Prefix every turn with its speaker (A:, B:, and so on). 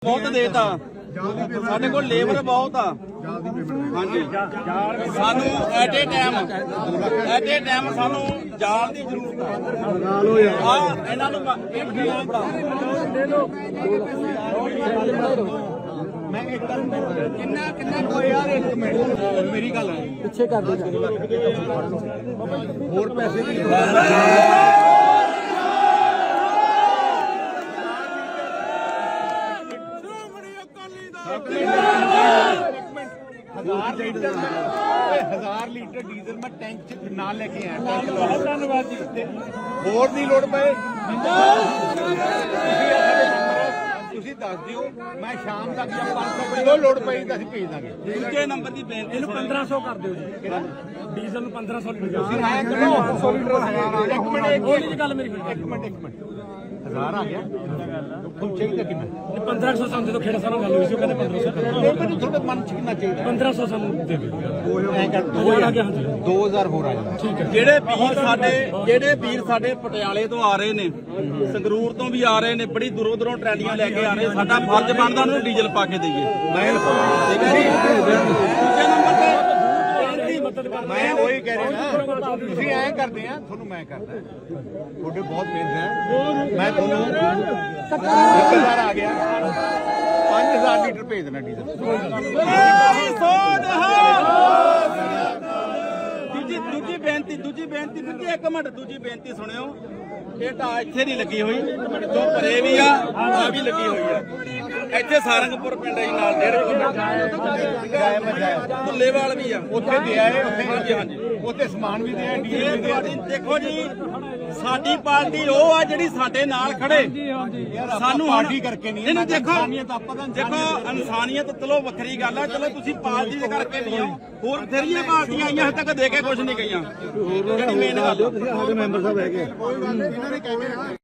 A: बहुत देता ਸਾਡੇ ਕੋਲ ਲੇਬਰ ਬਹੁਤ ਆ ਹਾਂਜੀ ਸਾਨੂੰ ਐਟ ਏ ਟਾਈਮ ਸਾਨੂੰ ਜਾਲ ਦੀ ਜ਼ਰੂਰਤ ਆ ਲਗਾ ਲਓ ਯਾਰ ਆ ਇਹਨਾਂ ਨੂੰ ਮੈਂ ਇੱਕ ਕਿੰਨਾ ਕੋਈ ਯਾਰ ਇੱਕ ਮਿੰਟ ਮੇਰੀ ਗੱਲ ਹੈ ਪਿੱਛੇ ਕਰ ਦੇ ਹੋਰ ਪੈਸੇ ਦੀ हजार लीटर डीजल मैं टैंक ना लेके आया धन्यवाद जी होर दी लोड़ पे ਤੁਸੀਂ ਦੱਸ ਦਿਓ ਮੈਂ ਸ਼ਾਮ ਤੱਕ ਜਾਂ 500 ਕਿਲੋ ਲੋਡ ਪਈ ਤਾਂ ਅਸੀਂ ਭੇਜ ਦਾਂਗੇ ਦੂਜੇ ਨੰਬਰ ਦੀ ਬੇਨਤੀ ਇਹਨੂੰ 1500 ਕਰ ਦਿਓ ਜੀ ਡੀਜ਼ਲ ਨੂੰ 1500 ਲੀਟਰ ਤੁਸੀਂ ਆਇਆ ਕਰੋ 500 ਲੀਟਰ ਇੱਕ ਮਿੰਟ ਇਹ ਗੱਲ ਮੇਰੀ ਇੱਕ ਮਿੰਟ ਹਜ਼ਾਰ ਆ ਗਿਆ ਤੁਹਾਨੂੰ ਚਾਹੀਦਾ ਕਿੰਨਾ 1500 ਸਾਨੂੰ ਦੇ ਦੋ ਖੇੜਾ ਸਾਨੂੰ ਗੱਲ ਹੋਈ ਸੀ ਉਹ ਕਹਿੰਦੇ 1500 ਕਰ ਦਿਓ ਤੁਹਾਡੇ ਮਨ ਚ ਕਿੰਨਾ ਚਾਹੀਦਾ 1500 ਸਾਨੂੰ ਦੇ ਦਿਓ ਐ ਕਰ 2000 ਆ ਗਿਆ ਹਾਂਜੀ 2000 ਹੋਰ ਆ ਜਾਂਦਾ ਠੀਕ ਹੈ ਜਿਹੜੇ ਵੀਰ ਸਾਡੇ ਪਟਿਆਲੇ ਤੋਂ ਆ ਰਹੇ ਨੇ ਸੰਗਰੂਰ ਤੋਂ ਵੀ ਆ ਰਹੇ ਨੇ ਬੜੀ ਦੂਰੋਂ ਟਰਾਲੀਆਂ ਲੈ ਕੇ ਆ ਰਹੇ ਸਾਡਾ ਫਰਜ਼ ਬਣਦਾ ਉਹਨੂੰ ਡੀਜ਼ਲ ਪਾ ਕੇ ਦਈਏ ਠੀਕ ਹੈ ਜੀ ਦੂਜੇ ਨੰਬਰ ਤੇ ਮੈਂ ਉਹੀ ਕਹਿ ਰਿਹਾ ਤੁਸੀਂ ਐਂ ਕਰਦੇ ਆ ਤੁਹਾਨੂੰ ਮੈਂ ਕਰਦਾ ਤੁਹਾਡੇ ਬਹੁਤ ਮਿਹਨਤ ਹੈ ਮੈਂ ਤੁਹਾਨੂੰ 1000 ਆ ਗਿਆ 5000 ਲੀਟਰ ਭੇਜ ਦੇਣਾ ਡੀਜ਼ਲ ਦੂਜੀ ਬੇਨਤੀ ਫਿਰ ਇੱਕ ਮਿੰਟ ਦੂਜੀ ਬੇਨਤੀ ਸੁਣਿਓ ਇਹ ਤਾਂ ਇੱਥੇ ਨਹੀਂ ਲੱਗੀ ਹੋਈ ਜੋ ਪਰੇ ਵੀ ਆ ਵੀ ਲੱਗੀ ਹੋਈ ਆ ਇੱਥੇ ਸਾਰੰਗਪੁਰ ਪਿੰਡ ਹੈ ਨਾਲ 1.5 ਕਿਲੋਮੀਟਰ ਭੁੱਲੇਵਾਲ ਵੀ ਆ ਉੱਥੇ ਦੇ ਆਏ ਉੱਥੇ ਹਾਂਜੀ ਉੱਥੇ ਸਮਾਨ ਵੀ ਦੇ ਆਏ ਦੇਖੋ ਜੀ ਸਾਡੀ ਪਾਰਟੀ ਉਹ ਆ ਜਿਹੜੀ ਸਾਡੇ ਨਾਲ ਖੜੇ ਸਾਨੂੰ ਪਾਰਟੀ ਕਰਕੇ ਨਹੀਂ ਦੇਖੋ ਇਨਸਾਨੀਅਤ ਚਲੋ ਵੱਖਰੀ ਗੱਲ ਆ ਚਲੋ ਤੁਸੀਂ ਪਾਰਟੀ ਦੇ ਕਰਕੇ ਨਹੀਂ ਆਓ ਹੋਰ ਬਥੇਰੀਆਂ ਪਾਰਟੀਆਂ ਆਈਆਂ ਹਜੇ ਤੱਕ ਦੇ ਕੇ ਕੁਝ ਨਹੀਂ ਗਈਆਂ ਜਿਹੜੀ ਮੇਨ ਗੱਲ
B: ਮੈਂਬਰ ਸਾਹਿਬ ਹੈਗੇ